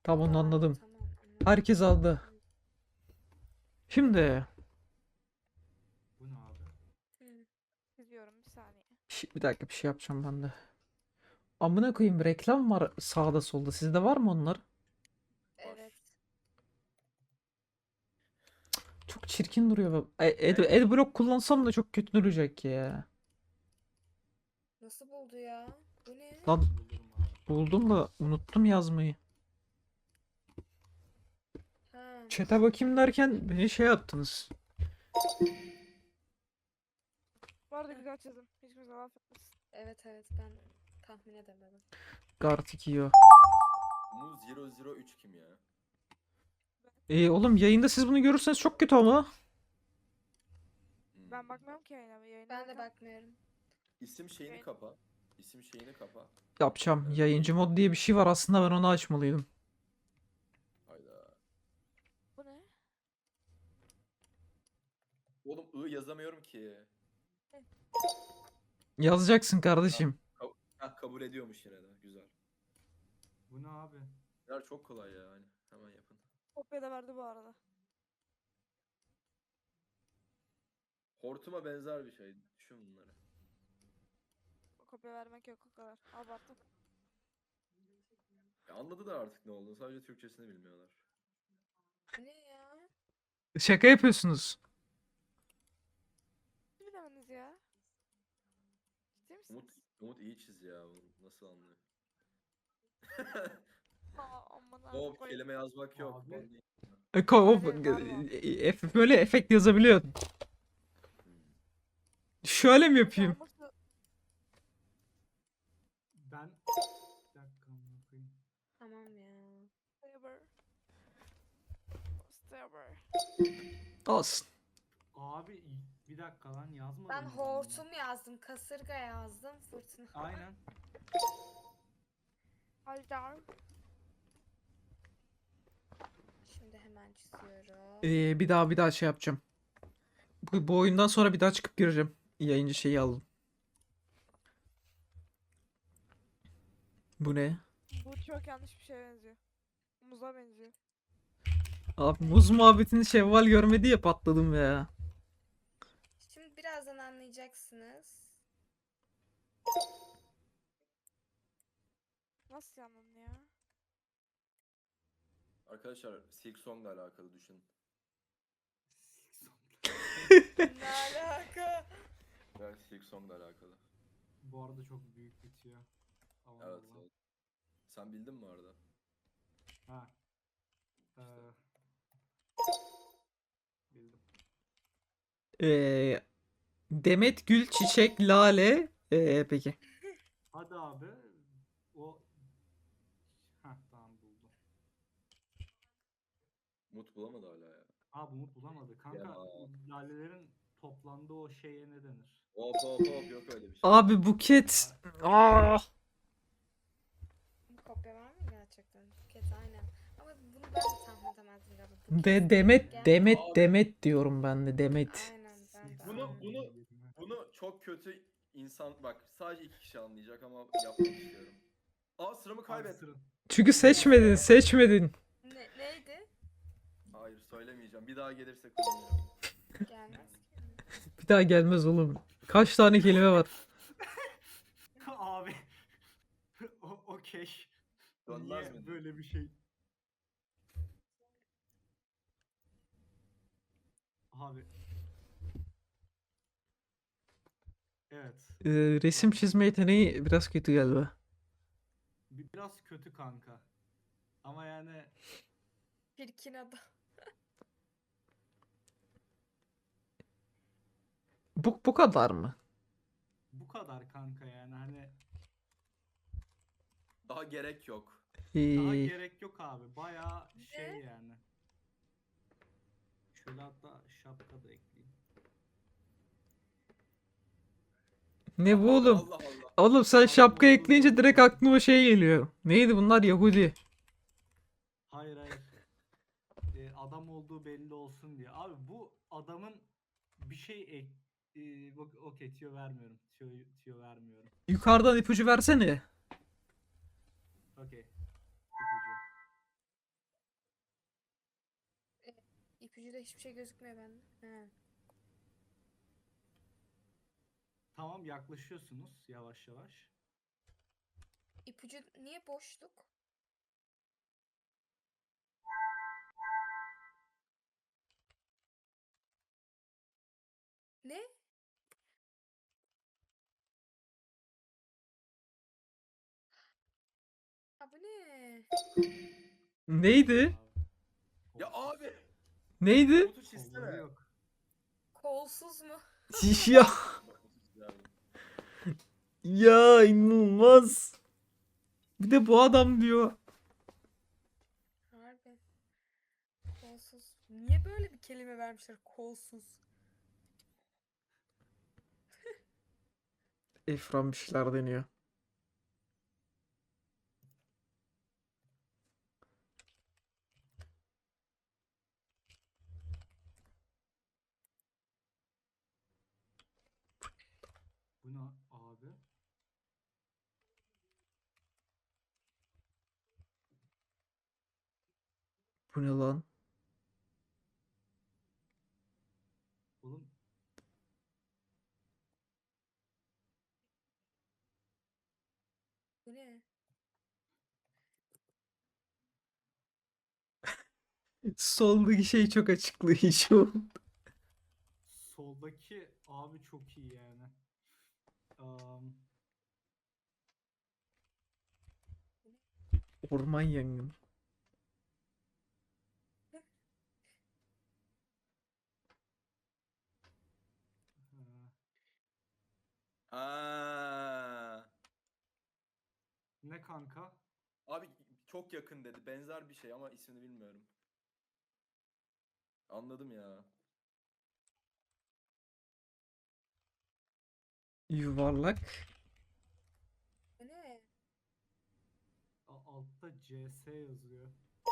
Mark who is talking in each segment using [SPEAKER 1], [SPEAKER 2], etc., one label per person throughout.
[SPEAKER 1] Tamam onu anladım.
[SPEAKER 2] Tamam anladım.
[SPEAKER 1] Herkes aldı. Şimdi
[SPEAKER 3] Bu ne abi?
[SPEAKER 4] İzliyorum bir saniye.
[SPEAKER 1] bir dakika bir şey yapacağım ben de. Amına koyayım reklam var sağda solda. Sizde var mı onlar?
[SPEAKER 2] Evet.
[SPEAKER 1] Çok çirkin duruyor. Adblock kullansam da çok kötü duracak ya.
[SPEAKER 2] Nasıl buldu ya? Bu ne?
[SPEAKER 1] Lan
[SPEAKER 3] Bulurum abi.
[SPEAKER 1] buldum da unuttum yazmayı.
[SPEAKER 2] Ha.
[SPEAKER 1] Chat'e bakayım derken beni şey yaptınız.
[SPEAKER 4] Bu arada güzel çizim. Hiç kimse laf etmesin.
[SPEAKER 2] Evet ben tahmin edemedim.
[SPEAKER 1] Gartic yiyor.
[SPEAKER 5] Muz 003 kim ya?
[SPEAKER 1] Oğlum yayında siz bunu görürseniz çok kötü ama.
[SPEAKER 4] Ben bakmıyorum ki yayına.
[SPEAKER 2] Ben de bakmıyorum.
[SPEAKER 5] İsim şeyini kapa. İsim şeyini kapa.
[SPEAKER 1] Yapacağım.
[SPEAKER 5] Evet.
[SPEAKER 1] Yayıncı mod diye bir şey var aslında ben onu açmalıydım.
[SPEAKER 5] Hayda.
[SPEAKER 4] Bu ne?
[SPEAKER 5] Oğlum yazamıyorum ki.
[SPEAKER 1] Yazacaksın kardeşim.
[SPEAKER 5] Kabul ediyormuş yine de. Güzel.
[SPEAKER 3] Bu ne abi?
[SPEAKER 5] Bunlar çok kolay ya. Hani hemen yapın.
[SPEAKER 4] Kopya da verdi bu arada.
[SPEAKER 5] Hortuma benzer bir şey. Düşün bunları.
[SPEAKER 4] Kopya vermek yok o kadar. Abarttım.
[SPEAKER 5] Ya anladılar artık ne olduğunu. Sadece Türkçesini bilmiyorlar.
[SPEAKER 2] Bu ne ya?
[SPEAKER 1] Şaka yapıyorsunuz.
[SPEAKER 4] Ne bilemediniz ya? Ciddi misiniz?
[SPEAKER 5] Umut iyi çiz ya. Nasıl anlıyor?
[SPEAKER 4] Aman
[SPEAKER 5] O
[SPEAKER 4] koyayım.
[SPEAKER 5] kelime yazmak yok.
[SPEAKER 3] Abi.
[SPEAKER 5] Ben değil.
[SPEAKER 1] Böyle efekt yazabiliyor.
[SPEAKER 5] Hmm.
[SPEAKER 1] Şöyle mi yapayım?
[SPEAKER 4] Olması-
[SPEAKER 3] Ben... Bir dakika amına koyayım.
[SPEAKER 2] Tamam ya.
[SPEAKER 4] Saber. Saber.
[SPEAKER 1] Olsun.
[SPEAKER 3] Abi bir dakika lan yazmadım.
[SPEAKER 2] Ben
[SPEAKER 3] mı
[SPEAKER 2] hortum yazdım, kasırga yazdım, fırtına.
[SPEAKER 3] bunu? Aynen.
[SPEAKER 4] Haydar.
[SPEAKER 2] Şimdi hemen çiziyorum.
[SPEAKER 1] Bir daha şey yapacağım. Bu oyundan sonra bir daha çıkıp gireceğim. Yayıncı şeyi aldım. Bu ne?
[SPEAKER 4] Bu çok yanlış bir şeye benziyor. Muza benziyor.
[SPEAKER 1] Abi muz muhabbetini Şevval görmedi ya patladım ya.
[SPEAKER 2] Şimdi birazdan anlayacaksınız.
[SPEAKER 4] Nasıl yandım ya?
[SPEAKER 5] Arkadaşlar Silk Song'la alakalı düşün.
[SPEAKER 2] Ne alaka?
[SPEAKER 5] Yani Silk Song'la alakalı.
[SPEAKER 3] Bu arada çok büyük bitiyor. Allah
[SPEAKER 5] Evet,
[SPEAKER 3] Allah.
[SPEAKER 5] evet. Sen bildin mi orada?
[SPEAKER 3] Ha. Bildim.
[SPEAKER 1] Ee, Demet Gül Çiçek Lale. Peki.
[SPEAKER 3] Hadi abi. O... Heh tamam buldum.
[SPEAKER 5] Umut bulamadı hala ya.
[SPEAKER 3] Abi Umut bulamadı. Kanka
[SPEAKER 5] Ya.
[SPEAKER 3] lalelerin toplandığı o şeye ne denir?
[SPEAKER 5] Hop yok öyle bir şey.
[SPEAKER 1] Abi Buket. Aa.
[SPEAKER 2] Bu kopya var mı gerçekten? Buket aynen. Ama bunu ben de tahmin edemezdim galiba. Buket.
[SPEAKER 1] Demet diyorum ben de Demet.
[SPEAKER 2] Aynen ben de.
[SPEAKER 5] Bunu-
[SPEAKER 2] aynen.
[SPEAKER 5] bunu- Bunu çok kötü insan bak sadece 2 kişi anlayacak ama yapmak istiyorum. Sıramı kaybettim.
[SPEAKER 1] Çünkü seçmedin.
[SPEAKER 2] Neydi?
[SPEAKER 5] Hayır söylemeyeceğim. Bir daha gelirse kullanacağım.
[SPEAKER 2] Gelmez ki.
[SPEAKER 1] Bir daha gelmez oğlum. Kaç tane kelime var?
[SPEAKER 3] Abi. Okey.
[SPEAKER 5] Dönmez
[SPEAKER 3] Niye
[SPEAKER 5] mi?
[SPEAKER 3] böyle bir şey? Abi. Evet.
[SPEAKER 1] Resim çizme yeteneği biraz kötü galiba.
[SPEAKER 3] Biraz kötü kanka. Ama yani
[SPEAKER 2] Çirkin adam.
[SPEAKER 1] Bu kadar mı?
[SPEAKER 3] bu kadar kanka yani hani
[SPEAKER 5] Daha gerek yok.
[SPEAKER 3] daha
[SPEAKER 1] Ee,
[SPEAKER 3] gerek yok abi. Bayağı şey
[SPEAKER 2] Ne?
[SPEAKER 3] yani. Şöyle hatta şapka da ekleyeyim.
[SPEAKER 1] Ne bu oğlum?
[SPEAKER 5] Allah Allah.
[SPEAKER 1] Oğlum sen şapka ekleyince direkt aklıma şey geliyor. Neydi bunlar Yahudi?
[SPEAKER 3] Hayır hayır. Adam olduğu belli olsun diye. Abi bu adamın bir şey okey tüyo vermiyorum. Tüyo vermiyorum.
[SPEAKER 1] Yukarıdan ipucu versene.
[SPEAKER 3] Okey. İpucu.
[SPEAKER 2] İpucuyla hiçbir şey gözükmüyor bende. He.
[SPEAKER 3] Tamam, yaklaşıyorsunuz yavaş yavaş.
[SPEAKER 2] İpucu niye boşluk? Ne? Ha bu ne?
[SPEAKER 1] Neydi?
[SPEAKER 5] Ya abi.
[SPEAKER 1] Neydi?
[SPEAKER 5] Komutu
[SPEAKER 3] Kolları
[SPEAKER 5] çizsene.
[SPEAKER 3] yok.
[SPEAKER 2] Kolsuz mu?
[SPEAKER 1] Ya,
[SPEAKER 5] Bak, komutu çizerdim.
[SPEAKER 1] ya inanılmaz. Bir de bu adam diyor.
[SPEAKER 2] Harbi. Kolsuz. Niye böyle bir kelime vermişler? Kolsuz.
[SPEAKER 1] Efran bir şeyler deniyor.
[SPEAKER 3] Bu ne abi?
[SPEAKER 1] Bu ne lan?
[SPEAKER 3] Oğlum
[SPEAKER 2] Bu ne?
[SPEAKER 1] Soldaki şey çok açıklayıcı.
[SPEAKER 3] soldaki abi çok iyi yani. Am,
[SPEAKER 1] Orman yangını.
[SPEAKER 3] ha,
[SPEAKER 5] Aa.
[SPEAKER 3] ne kanka?
[SPEAKER 5] Abi çok yakın dedi. Benzer bir şey ama ismini bilmiyorum. Anladım ya.
[SPEAKER 1] Yuvarlak.
[SPEAKER 2] Bu ne?
[SPEAKER 3] Altta CS yazıyor.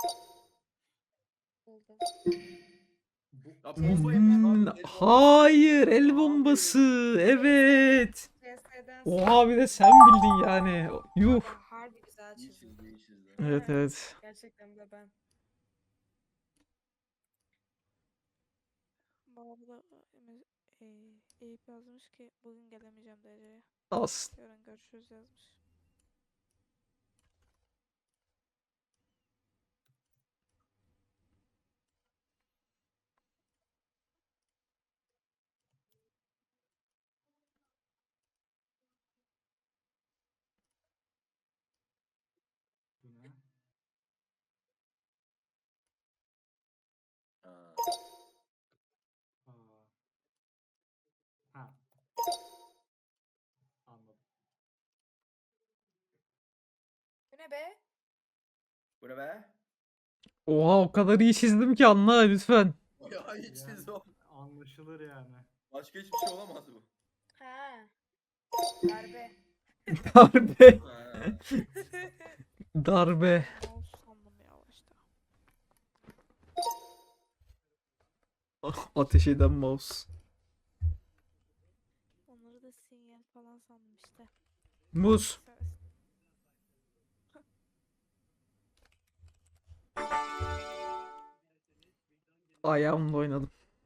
[SPEAKER 2] Oldu.
[SPEAKER 3] Bu
[SPEAKER 5] Ya bomba yapmış abi. El bombası.
[SPEAKER 1] Hayır, el
[SPEAKER 3] Abi.
[SPEAKER 1] bombası. Evet.
[SPEAKER 2] CS'den
[SPEAKER 1] Oha, bir de sen bildin yani. Yuh.
[SPEAKER 2] harbi güzel
[SPEAKER 5] İyi
[SPEAKER 2] çizdim.
[SPEAKER 5] çizdi, iyi çizdi.
[SPEAKER 1] Evet, evet.
[SPEAKER 2] Gerçekten de ben.
[SPEAKER 4] Baba da Eyüp yazmış ki bugün gelemeyeceğim dereceye.
[SPEAKER 1] As.
[SPEAKER 4] Yarın görüşürüz yazmış.
[SPEAKER 3] bu ne?
[SPEAKER 5] Ha.
[SPEAKER 3] Aa. Ha, anladım.
[SPEAKER 2] Bu ne be?
[SPEAKER 5] Bu ne be?
[SPEAKER 1] Oha, o kadar iyi çizdim ki anla lütfen.
[SPEAKER 5] Ya iyi
[SPEAKER 3] Yani
[SPEAKER 5] çizdi o.
[SPEAKER 3] anlaşılır yani.
[SPEAKER 5] Başka hiçbir şey olamaz bu.
[SPEAKER 2] Ha. Darbe.
[SPEAKER 1] Darbe.
[SPEAKER 5] Ha.
[SPEAKER 1] Darbe.
[SPEAKER 4] Mouse sandım ya başta.
[SPEAKER 1] Ateş eden mouse.
[SPEAKER 4] Onları da sinyal falan sandım işte.
[SPEAKER 1] Muz. Ayağımla oynadım.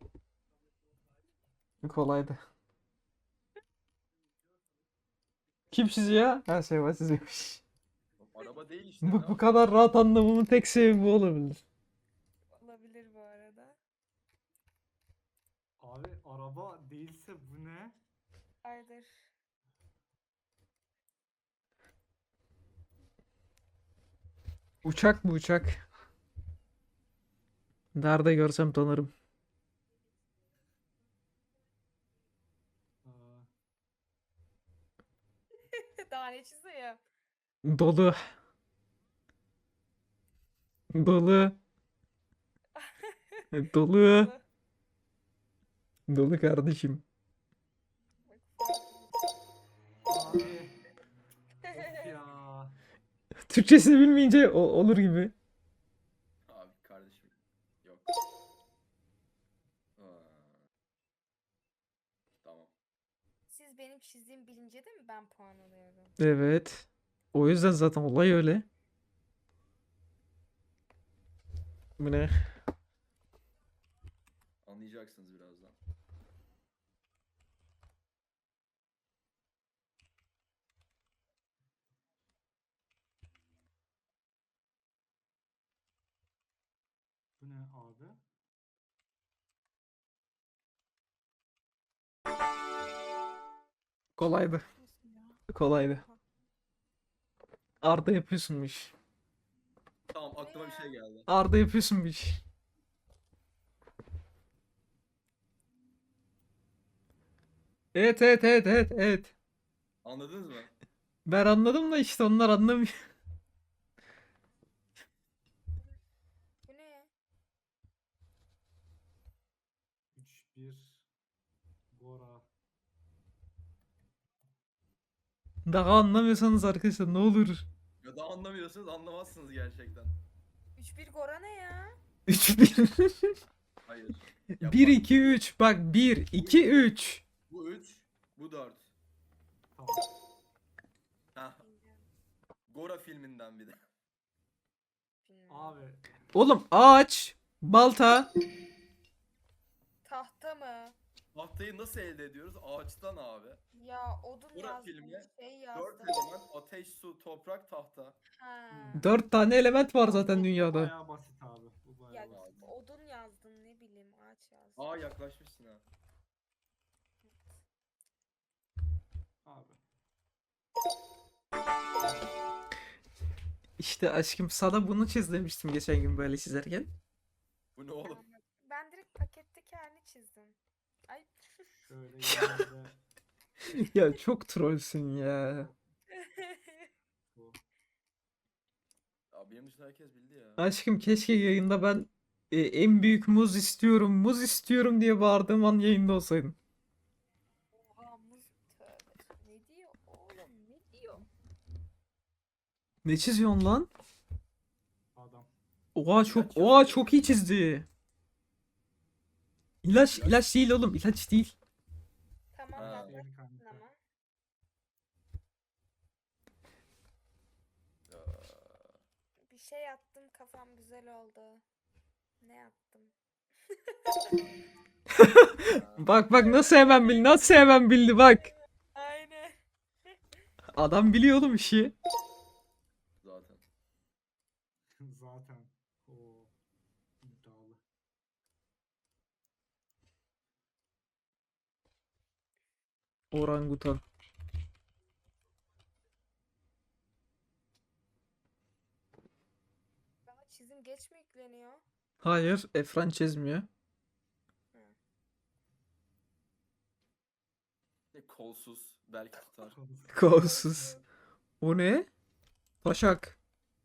[SPEAKER 1] Kolaydı. Kim çiziyor? Her şey var çiziyormuş.
[SPEAKER 5] Araba değil işte. ne
[SPEAKER 1] Bu
[SPEAKER 5] yapayım?
[SPEAKER 1] kadar rahat anlamamın tek sebebi bu olabilir.
[SPEAKER 2] Olabilir bu arada.
[SPEAKER 3] Abi araba değilse bu ne?
[SPEAKER 2] Aydır.
[SPEAKER 1] Uçak mı uçak? Nerede görsem tanırım.
[SPEAKER 3] Aa,
[SPEAKER 2] Daha ne çiziyor?
[SPEAKER 1] Dolu. Dolu. Dolu. Dolu kardeşim.
[SPEAKER 3] abi. Of ya.
[SPEAKER 1] Türkçesini bilmeyince olur gibi.
[SPEAKER 5] Abi kardeşim. Yok. Ha. Tamam.
[SPEAKER 2] Siz benim çizdiğim bilince de mi ben puan alıyorum?
[SPEAKER 1] Evet. O yüzden zaten olay öyle. Bu ne?
[SPEAKER 5] Anlayacaksınız birazdan.
[SPEAKER 3] Bu ne abi?
[SPEAKER 1] Kolaydı.
[SPEAKER 4] Nasıl ya?
[SPEAKER 1] Kolaydı.
[SPEAKER 4] Oha.
[SPEAKER 1] Arda yapıyorsunmuş.
[SPEAKER 5] Tamam aklıma bir şey geldi.
[SPEAKER 1] Arda yapıyorsunmuş. Evet evet evet evet evet.
[SPEAKER 5] Anladınız mı?
[SPEAKER 1] Ben anladım da işte onlar anlamıyor.
[SPEAKER 2] Bu ne?
[SPEAKER 3] 3-1 Gora.
[SPEAKER 1] Daha anlamıyorsanız arkadaşlar ne olur.
[SPEAKER 5] Ya da anlamıyorsunuz anlamazsınız gerçekten.
[SPEAKER 2] 3-1 Gora ne ya?
[SPEAKER 1] 3-1.
[SPEAKER 5] Hayır. Ya
[SPEAKER 1] 1
[SPEAKER 5] bak,
[SPEAKER 1] 2 3. Bak 1 2 3.
[SPEAKER 5] bu 3, bu 4.
[SPEAKER 3] Tamam.
[SPEAKER 5] Heh,
[SPEAKER 2] Bilmiyorum.
[SPEAKER 5] Gora filminden bir de.
[SPEAKER 2] Bilmiyorum.
[SPEAKER 3] Abi
[SPEAKER 1] Oğlum ağaç, balta.
[SPEAKER 2] Tahta mı?
[SPEAKER 5] Tahtayı nasıl elde ediyoruz? Ağaçtan abi.
[SPEAKER 2] Ya odun
[SPEAKER 5] Gora
[SPEAKER 2] yazdım,
[SPEAKER 5] filmi,
[SPEAKER 2] şey
[SPEAKER 5] 4
[SPEAKER 2] yazdım.
[SPEAKER 5] element ateş, su, toprak, tahta.
[SPEAKER 2] Ha.
[SPEAKER 1] 4 tane element var zaten
[SPEAKER 3] bu
[SPEAKER 1] dünyada.
[SPEAKER 3] bayağı basit abi. Bu
[SPEAKER 2] Ya
[SPEAKER 3] bayağı basit.
[SPEAKER 2] odun yazdın ne bileyim ağaç yazdın.
[SPEAKER 5] Aa yaklaşmışsın ha.
[SPEAKER 3] Abi.
[SPEAKER 1] İşte aşkım sana bunu çiz demiştim geçen gün böyle çizerken.
[SPEAKER 5] Bu ne oğlum?
[SPEAKER 2] Ben direkt paketteki halini çizdim. Ay.
[SPEAKER 3] Şöyle yanında
[SPEAKER 1] Ya çok trollsün ya.
[SPEAKER 3] bu.
[SPEAKER 5] Ya benim dışında herkes bildi ya.
[SPEAKER 1] Aşkım keşke yayında ben en büyük muz istiyorum, muz istiyorum diye bağırdığım an yayında olsaydın.
[SPEAKER 2] Oha muz tövbe. Ne diyor oğlum ne diyor?
[SPEAKER 1] Ne çiziyorsun lan?
[SPEAKER 3] Adam.
[SPEAKER 1] Oha çok iyi çizdi. İlaç değil oğlum, ilaç değil.
[SPEAKER 2] Tamam
[SPEAKER 5] Ha.
[SPEAKER 2] yaklaştın
[SPEAKER 3] Yeni kanka.
[SPEAKER 2] ama.
[SPEAKER 5] Ya.
[SPEAKER 2] Bir şey yaptım kafam güzel oldu. Ne yaptım?
[SPEAKER 1] Bak nasıl hemen bildi bak.
[SPEAKER 2] Aynen.
[SPEAKER 1] Adam biliyor oğlum işi.
[SPEAKER 5] Zaten.
[SPEAKER 3] Zaten. O iddialı.
[SPEAKER 1] Orangutan.
[SPEAKER 2] Daha çizim geç mi yükleniyor?
[SPEAKER 1] Hayır, Efran çizmiyor.
[SPEAKER 5] Kolsuz. Belki tutar.
[SPEAKER 1] Kolsuz. O ne? Taşak.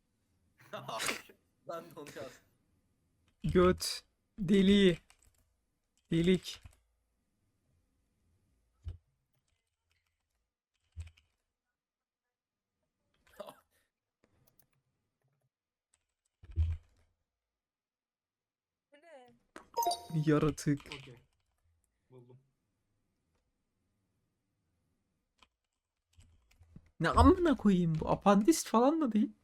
[SPEAKER 5] Ben de onu yazdım.
[SPEAKER 1] Göt. Deli. Delik.
[SPEAKER 2] Bu ne?
[SPEAKER 1] Yaratık.
[SPEAKER 3] Okey. Buldum.
[SPEAKER 1] Ne amına koyayım bu? Apandist falan da değil.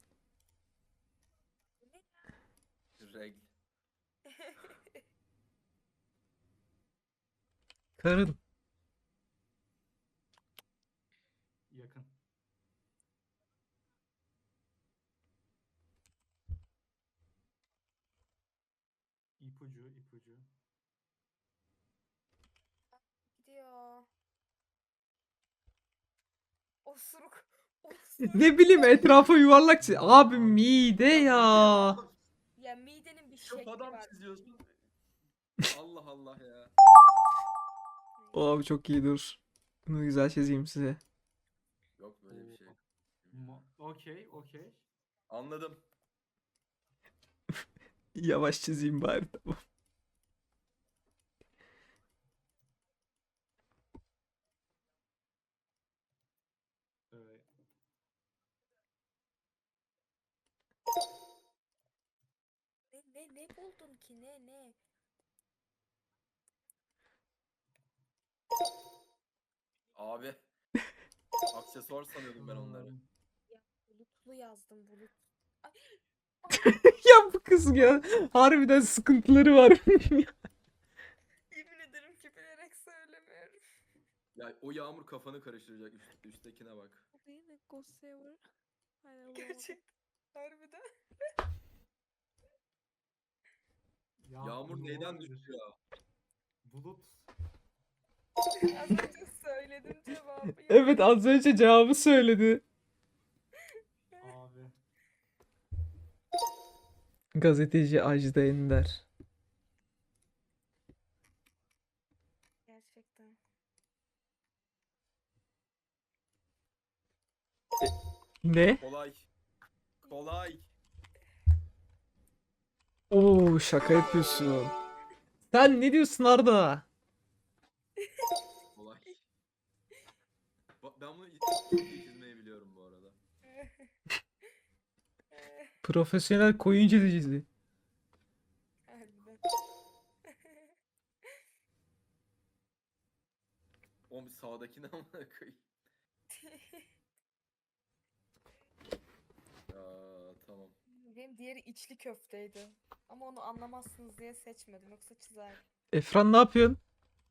[SPEAKER 5] Reg.
[SPEAKER 1] Karın.
[SPEAKER 3] Yakın. İpucu.
[SPEAKER 2] Gidiyor. Osuruk. Osuruk.
[SPEAKER 1] Ne bileyim etrafa yuvarlak çiz. Abi mide ya.
[SPEAKER 2] Ya midenin bir
[SPEAKER 5] Çok
[SPEAKER 2] şekli
[SPEAKER 5] adam
[SPEAKER 2] var.
[SPEAKER 5] çiziyorsun. Allah Allah ya.
[SPEAKER 1] Abi çok iyi dur. Bunu güzel çizeyim size.
[SPEAKER 5] Yok böyle bir şey.
[SPEAKER 3] Okey.
[SPEAKER 5] Anladım.
[SPEAKER 1] Yavaş çizeyim bari tamam.
[SPEAKER 3] Evet.
[SPEAKER 2] Ne buldun ki ne?
[SPEAKER 5] Abi. Aksesuar sanıyordum ben onları.
[SPEAKER 2] Ya bulutlu yazdım bulut. Ay.
[SPEAKER 1] Ya bu kız ya. Harbiden sıkıntıları var.
[SPEAKER 5] Ya o yağmur kafanı karıştıracak. Üsttekine bak.
[SPEAKER 4] O değil mi? Ghost Saver. Aynen bulamadım.
[SPEAKER 2] Gerçekten. Harbiden.
[SPEAKER 5] Yağmur
[SPEAKER 3] ne
[SPEAKER 5] neyden
[SPEAKER 3] olabilir?
[SPEAKER 5] düştü ya?
[SPEAKER 3] Bulut.
[SPEAKER 2] Az önce söyledim cevabı.
[SPEAKER 1] Evet, az önce cevabı söyledi.
[SPEAKER 3] Abi.
[SPEAKER 1] Gazeteci Ajda Ender.
[SPEAKER 2] Gerçekten.
[SPEAKER 1] Ne?
[SPEAKER 5] Kolay. Kolay.
[SPEAKER 1] Oo, şaka yapıyorsun. Sen ne diyorsun Arda?
[SPEAKER 5] Kolay. Ben bunu çok iyi çizmeyi biliyorum bu arada.
[SPEAKER 1] Profesyonel koyun çizicisi.
[SPEAKER 2] Harbiden.
[SPEAKER 5] Oğlum sağdakine amına koyayım. Ya tamam.
[SPEAKER 2] Benim diğeri içli köfteydi. Ama onu anlamazsınız diye seçmedim. Yoksa çizerdim.
[SPEAKER 1] Efran ne yapıyorsun?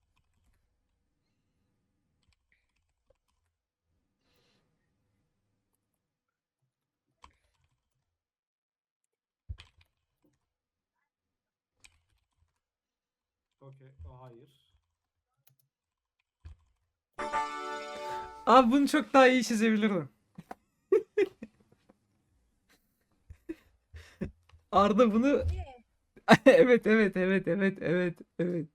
[SPEAKER 3] Okey. O hayır.
[SPEAKER 1] Abi bunu çok daha iyi çizebilirdim. Arda bunu
[SPEAKER 2] Niye?
[SPEAKER 1] evet evet evet evet evet evet.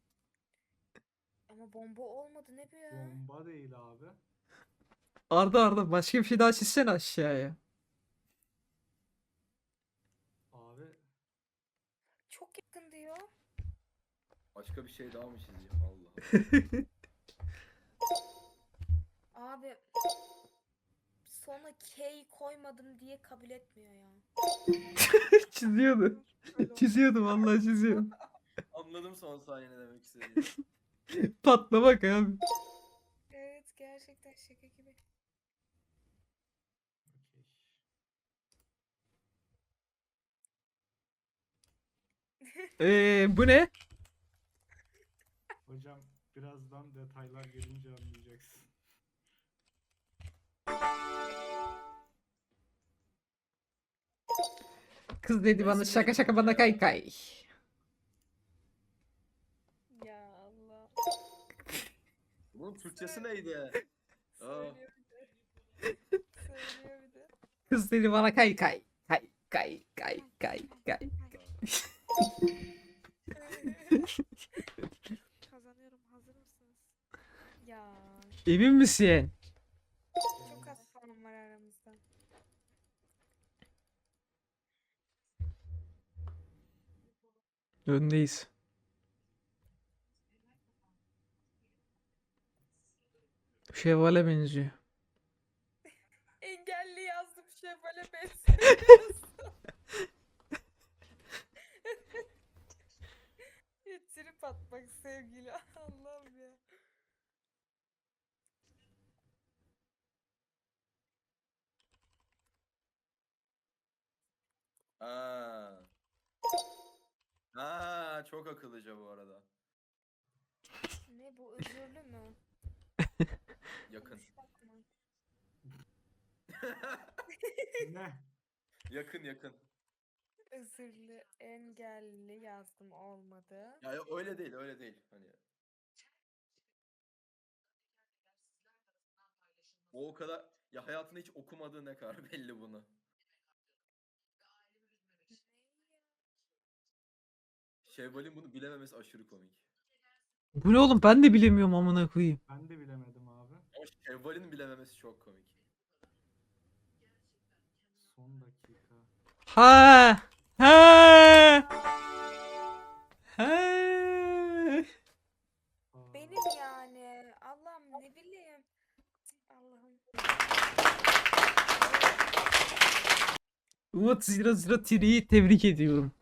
[SPEAKER 2] Ama bomba olmadı ne bu ya?
[SPEAKER 3] Bomba değil abi.
[SPEAKER 1] Arda başka bir şey daha çizsene aşağıya.
[SPEAKER 3] Abi.
[SPEAKER 2] Çok yakın diyor.
[SPEAKER 5] Başka bir şey daha mı çizeceğim? Allah Allah.
[SPEAKER 2] Abi sona K koymadım diye kabul etmiyor ya.
[SPEAKER 1] Çiziyordu. Çiziyordu vallahi çiziyordu.
[SPEAKER 5] Anladım son saniye ne demek istediğini.
[SPEAKER 1] Patlamak abi.
[SPEAKER 2] Evet gerçekten şaka gibi.
[SPEAKER 3] Okey.
[SPEAKER 1] Bu ne?
[SPEAKER 3] Hocam birazdan detaylar gelince anlayacaksın.
[SPEAKER 1] Kız dedi bana şaka şaka bana kay kay.
[SPEAKER 2] Ya Allah.
[SPEAKER 5] Bunun Türkçesi neydi? Aa.
[SPEAKER 2] Söylüyor bir de. Söylüyor bir de.
[SPEAKER 1] Kız dedi bana kay kay. Kay kay kay kay kay.
[SPEAKER 4] Kazanıyorum. Hazır mısınız?
[SPEAKER 2] Ya
[SPEAKER 1] Emin misin?
[SPEAKER 2] çok az puan var aramızda.
[SPEAKER 1] Öndeyiz. Şevval'e benziyor.
[SPEAKER 2] Engelli yazdım şevale benziyor. Ya trip atmak sevgili. Allah'ım ya.
[SPEAKER 5] Aa. Ha, çok akıllıca bu arada.
[SPEAKER 2] Ne bu özürlü mü?
[SPEAKER 5] Yakın.
[SPEAKER 2] Yumuşak mı?
[SPEAKER 3] Ne?
[SPEAKER 5] Yakın yakın.
[SPEAKER 2] Özürlü, engelli yazdım olmadı.
[SPEAKER 5] Ya öyle değil, öyle değil. Hani o kadar ya hayatında hiç okumadığı ne kadar belli bunu. Şevval'in bunu bilememesi aşırı komik.
[SPEAKER 1] Bu ne oğlum, ben de bilemiyorum amına koyayım.
[SPEAKER 3] Ben de bilemedim abi.
[SPEAKER 5] Ama Şevval'in bilememesi çok komik.
[SPEAKER 3] Son dakika.
[SPEAKER 1] Ha! Ha! Ha!
[SPEAKER 3] Aa,
[SPEAKER 2] Benim yani. Allah'ım ne bileyim. Allah'ım.
[SPEAKER 1] Umut 00 Tiri'yi tebrik ediyorum.